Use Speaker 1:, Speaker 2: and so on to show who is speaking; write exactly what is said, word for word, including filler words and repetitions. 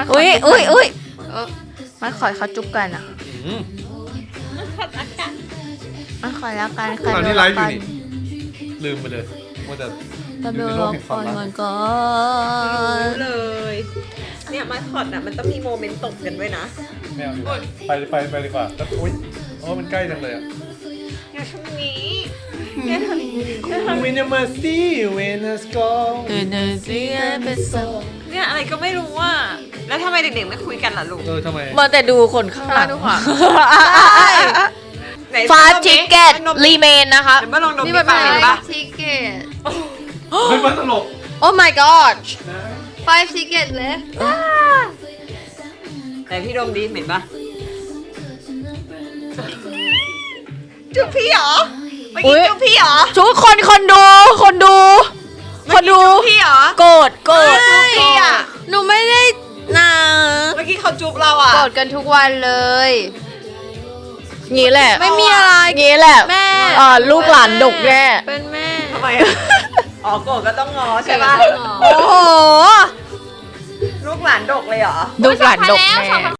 Speaker 1: มัน
Speaker 2: อุ้ย
Speaker 1: ข
Speaker 2: อุ้ยอุ้ย
Speaker 1: เออ
Speaker 2: มันขอเขาจุ๊บกันอ่ะ
Speaker 3: อืม
Speaker 2: มันขอแล้วกัน
Speaker 3: ตอนนี้ไลฟ์อยู่นี่ลืมไปเลยว่าจะ
Speaker 2: ตะเบ
Speaker 3: อยู่
Speaker 2: ล
Speaker 3: ในโลกแห่งค
Speaker 2: ก่
Speaker 3: วา
Speaker 2: อ
Speaker 3: ม
Speaker 2: น
Speaker 3: รัก
Speaker 2: ก่อนก่อ
Speaker 4: รู้
Speaker 2: น
Speaker 4: เลยเนี่ยมาคอตอ่ะมันต้องมีโมเมนต์ตกกันด้วยนะ
Speaker 3: ไม่เอาดีกว่าไปไปไปดีกว่าแล้วอุ้ยโอ้มันใกล้จังเลยอ่ะ
Speaker 4: อย่าทำนี้อย่าทำนี้
Speaker 3: วินเมอร์ซี่เวนัสกอ
Speaker 2: เอเนอร์จีเป็นโซ
Speaker 4: เนี่ยอะไรก็ไม่รู้ว่าแล้วทำไมเด็กๆไม่คุยกันล่ะลูก
Speaker 3: เออทำไม
Speaker 2: มาแต่ดูคนข้างหลัง
Speaker 1: ดูขวา
Speaker 4: ไหน
Speaker 2: ฟา
Speaker 4: ลอง
Speaker 2: ชิ
Speaker 4: ดิ
Speaker 2: เก็ต
Speaker 4: ลองดม
Speaker 2: รีเมนนะคะ
Speaker 4: เดี๋ยวมาลองดม
Speaker 1: นี่
Speaker 4: ดิ
Speaker 1: มัน
Speaker 4: ปา
Speaker 1: เป็
Speaker 4: ก
Speaker 1: น
Speaker 4: เหม็นปะ
Speaker 1: ทิเกต
Speaker 3: เฮ้ยมันตลก
Speaker 2: โอ้ my god
Speaker 1: five ticket left
Speaker 4: ไหนพี่ดมดิเหม็นปะจุ๊บพี่เหรอเมื่อ
Speaker 2: อุ๊
Speaker 4: กี้
Speaker 2: ย
Speaker 4: จุ๊บพี่เหรอ
Speaker 2: ทุกคนคนดู คนดู คนดู
Speaker 4: เมื่อกี้จุ๊บพี่เหรอ
Speaker 2: โกรธโกรธ
Speaker 4: จุ๊บพี่อ่ะ
Speaker 2: หนูไม่ได้นะ
Speaker 4: เมื่อกี้เขาจุ๊บเราอ่ะ
Speaker 1: กดกันทุกวันเลย
Speaker 2: งี้แหละ
Speaker 1: ไม่มีอะไร
Speaker 2: งี้แหละ
Speaker 1: แม่
Speaker 2: อ่าลูกหลานดกแน่
Speaker 1: เป็นแม่
Speaker 4: ทำไมอะอ๋อโกรธก็ต้องงอใช่ปะ
Speaker 1: โอ้โห
Speaker 4: ลูกหลานดกเลยเหรอ
Speaker 2: ลูกหลานดก
Speaker 1: แล้ว
Speaker 2: แน่
Speaker 1: สองพัน